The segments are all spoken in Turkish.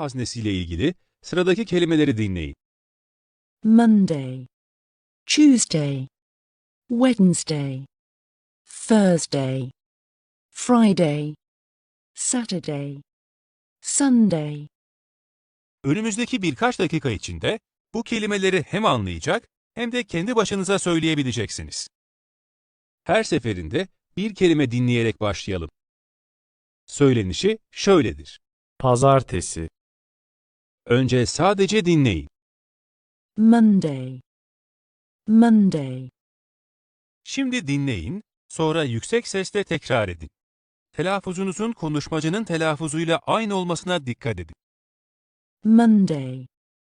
haznesiyle ilgili sıradaki kelimeleri dinleyin. Monday, Tuesday, Wednesday, Thursday, Friday, Saturday, Sunday. Önümüzdeki birkaç dakika içinde bu kelimeleri hem anlayacak hem de kendi başınıza söyleyebileceksiniz. Her seferinde bir kelime dinleyerek başlayalım. Söylenişi şöyledir. Pazartesi, Önce sadece dinleyin. Monday, Monday, Şimdi dinleyin, sonra yüksek sesle tekrar edin. Telaffuzunuzun konuşmacının telaffuzuyla aynı olmasına dikkat edin. Monday,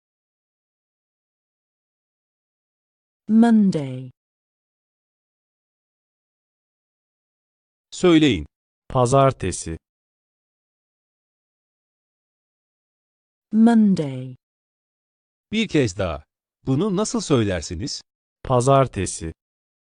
Monday, Söyleyin. pazartesi, Monday, Bir kez daha. Bunu nasıl söylersiniz? pazartesi,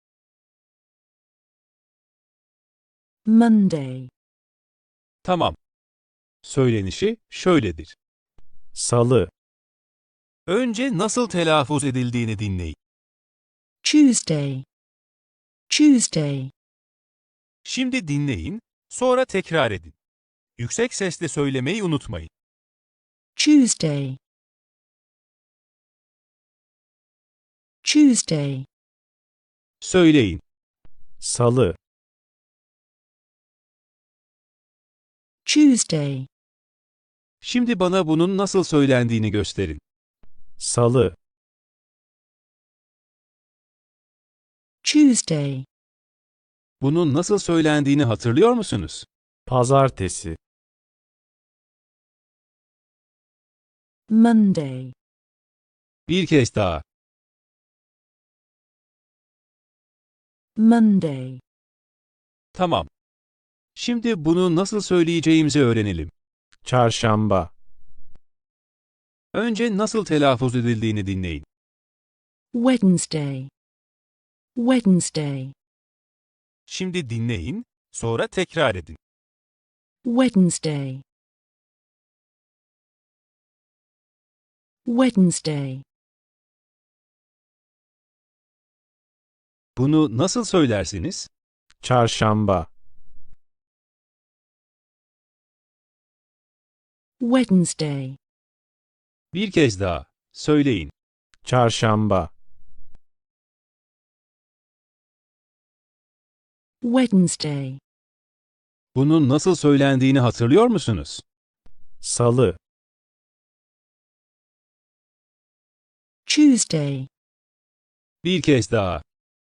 Monday, Tamam. Söylenişi şöyledir. salı, Önce nasıl telaffuz edildiğini dinleyin. Tuesday, Tuesday, Şimdi dinleyin, sonra tekrar edin. Yüksek sesle söylemeyi unutmayın. Tuesday, Tuesday, Söyleyin. salı, Tuesday, Şimdi bana bunun nasıl söylendiğini gösterin. salı, Tuesday, Bunun nasıl söylendiğini hatırlıyor musunuz? pazartesi, Monday, Bir kez daha. Monday, Tamam. Şimdi bunu nasıl söyleyeceğimizi öğrenelim. çarşamba, Önce nasıl telaffuz edildiğini dinleyin. Wednesday, Wednesday, Şimdi dinleyin, sonra tekrar edin. Wednesday, Wednesday, Bunu nasıl söylersiniz? çarşamba, Wednesday, Bir kez daha. Söyleyin. çarşamba, Wednesday, Bunun nasıl söylendiğini hatırlıyor musunuz? salı, Tuesday, Bir kez daha.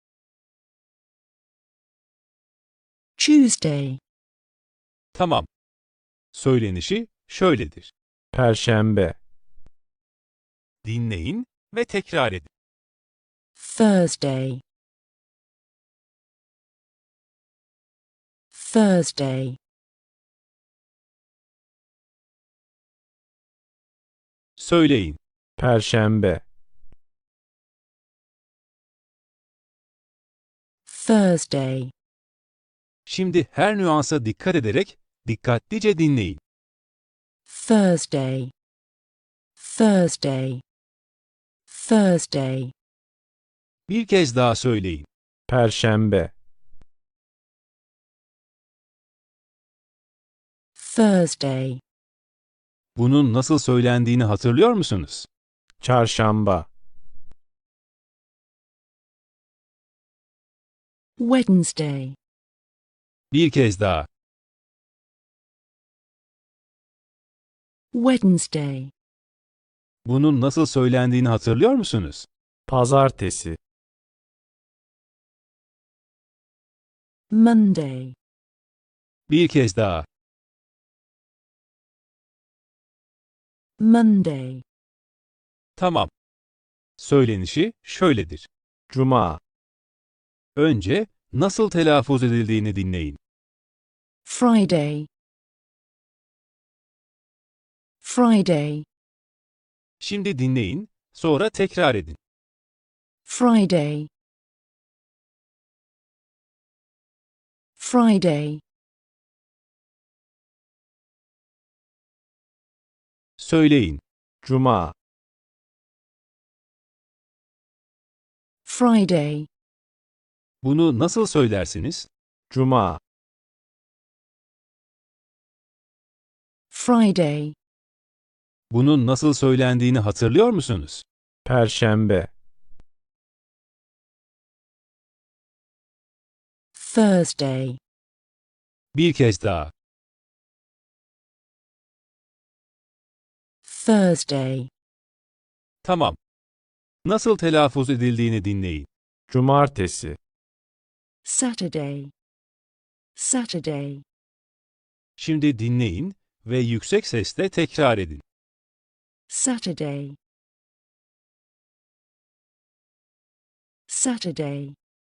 Tuesday, Tamam. Söylenişi şöyledir. perşembe, Dinleyin ve tekrar edin. Thursday, Thursday, Söyleyin. perşembe, Thursday, Şimdi her nüansa dikkat ederek dikkatlice dinleyin. Thursday, Thursday, Thursday, Bir kez daha söyleyin. perşembe, Thursday, Bunun nasıl söylendiğini hatırlıyor musunuz? çarşamba, Wednesday, Bir kez daha. Wednesday, Bunun nasıl söylendiğini hatırlıyor musunuz? pazartesi, Monday, Bir kez daha. Monday, Tamam. Söylenişi şöyledir. cuma, Önce nasıl telaffuz edildiğini dinleyin. Friday, Friday, Şimdi dinleyin, sonra tekrar edin. Friday, Friday, Söyleyin. Cuma, Friday, Bunu nasıl söylersiniz? Cuma, Friday, Bunun nasıl söylendiğini hatırlıyor musunuz? Perşembe, Thursday, Bir kez daha. Thursday, Tamam. Nasıl telaffuz edildiğini dinleyin. Cumartesi, Saturday, Saturday, Şimdi dinleyin ve yüksek sesle tekrar edin. Saturday, Saturday,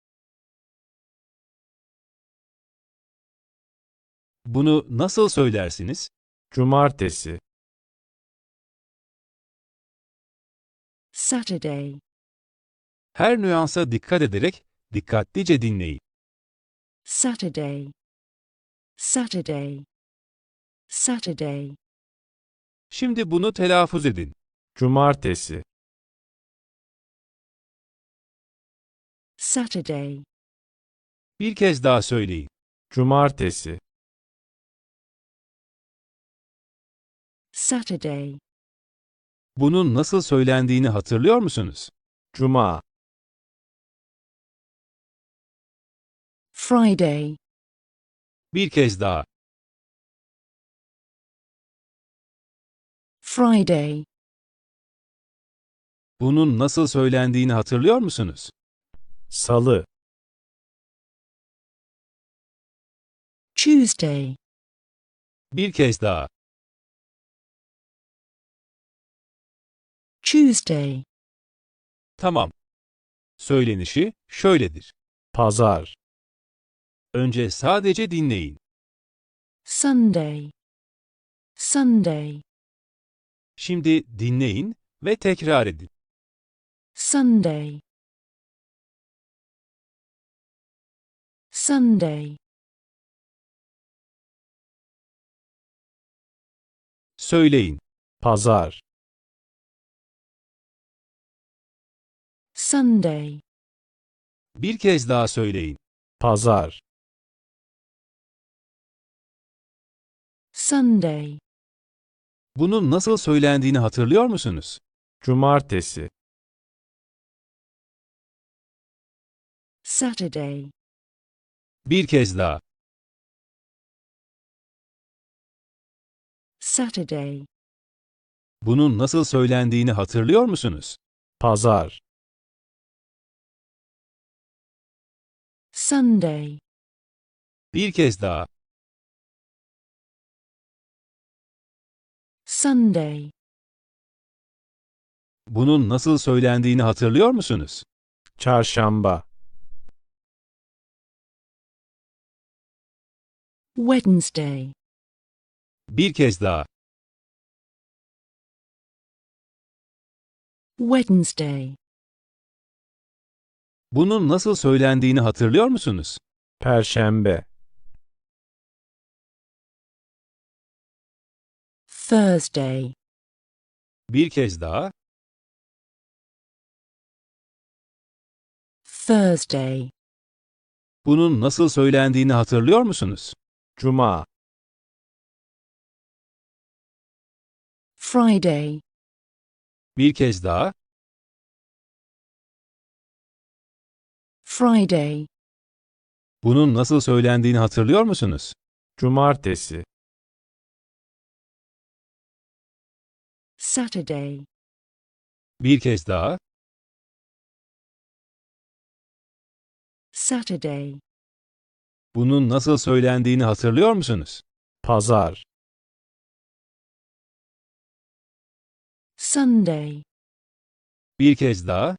Bunu nasıl söylersiniz? Cumartesi, Saturday, Her nüansa dikkat ederek dikkatlice dinleyin. Saturday, Saturday, Saturday, Şimdi bunu telaffuz edin. Cumartesi, Saturday, Bir kez daha söyleyin. Cumartesi, Saturday, Bunun nasıl söylendiğini hatırlıyor musunuz? Cuma, Friday, Bir kez daha. Friday, Bunun nasıl söylendiğini hatırlıyor musunuz? Salı, Tuesday, Bir kez daha. Tuesday, Tamam. Söylenişi şöyledir. Pazar, Önce sadece dinleyin. Sunday, Sunday, Şimdi dinleyin ve tekrar edin. Sunday, Sunday, Söyleyin. Pazar, Sunday, Bir kez daha söyleyin. Pazar, Sunday, Bunun nasıl söylendiğini hatırlıyor musunuz? Cumartesi, Saturday, Bir kez daha. Saturday, Bunun nasıl söylendiğini hatırlıyor musunuz? Pazar, Sunday, Bir kez daha. Sunday, Bunun nasıl söylendiğini hatırlıyor musunuz? Çarşamba, Wednesday, Bir kez daha. Wednesday, Bunun nasıl söylendiğini hatırlıyor musunuz? Perşembe, Thursday, Bir kez daha. Thursday, Bunun nasıl söylendiğini hatırlıyor musunuz? Cuma, Friday, Bir kez daha. Friday, Bunun nasıl söylendiğini hatırlıyor musunuz? Cumartesi, Saturday, Bir kez daha. Saturday, Bunun nasıl söylendiğini hatırlıyor musunuz? Pazar, Sunday, Bir kez daha.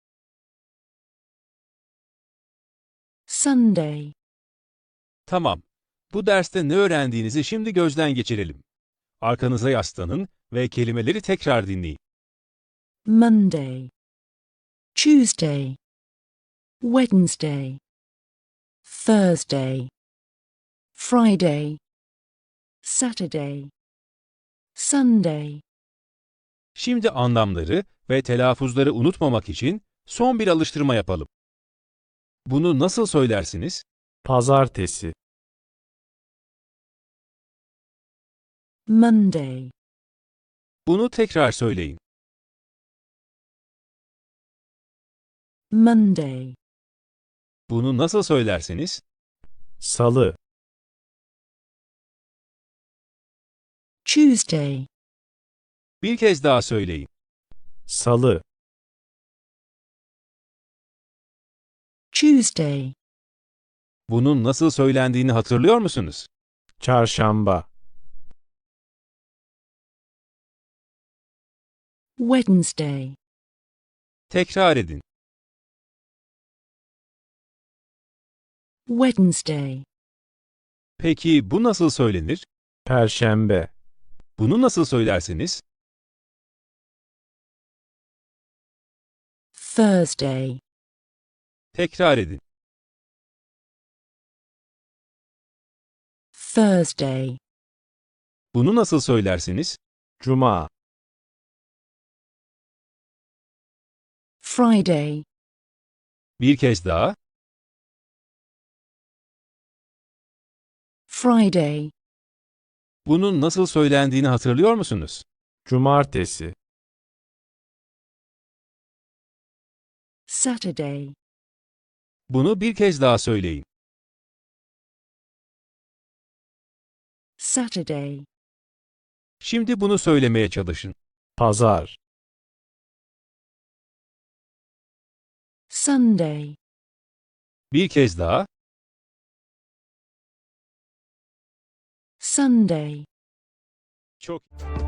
Sunday, Tamam. Bu derste ne öğrendiğinizi şimdi gözden geçirelim. Arkanıza yaslanın ve kelimeleri tekrar dinleyin. Monday, Tuesday, Wednesday, Thursday, Friday, Saturday, Sunday, Şimdi anlamları ve telaffuzları unutmamak için son bir alıştırma yapalım. Bunu nasıl söylersiniz? Pazartesi. Monday, Bunu tekrar söyleyin. Monday, Bunu nasıl söylersiniz? Salı. Tuesday, Bir kez daha söyleyin. Salı. Tuesday, Bunun nasıl söylendiğini hatırlıyor musunuz? Çarşamba. Wednesday, Tekrar edin. Wednesday, Peki bu nasıl söylenir? Perşembe. Bunu nasıl söylersiniz? Thursday, Tekrar edin. Thursday, Bunu nasıl söylersiniz? Cuma. Friday, Bir kez daha. Friday, Bunun nasıl söylendiğini hatırlıyor musunuz? Cumartesi. Saturday, Bunu bir kez daha söyleyin. Saturday, Şimdi bunu söylemeye çalışın. Pazar. Sunday, Bir kez daha. Sunday. Çok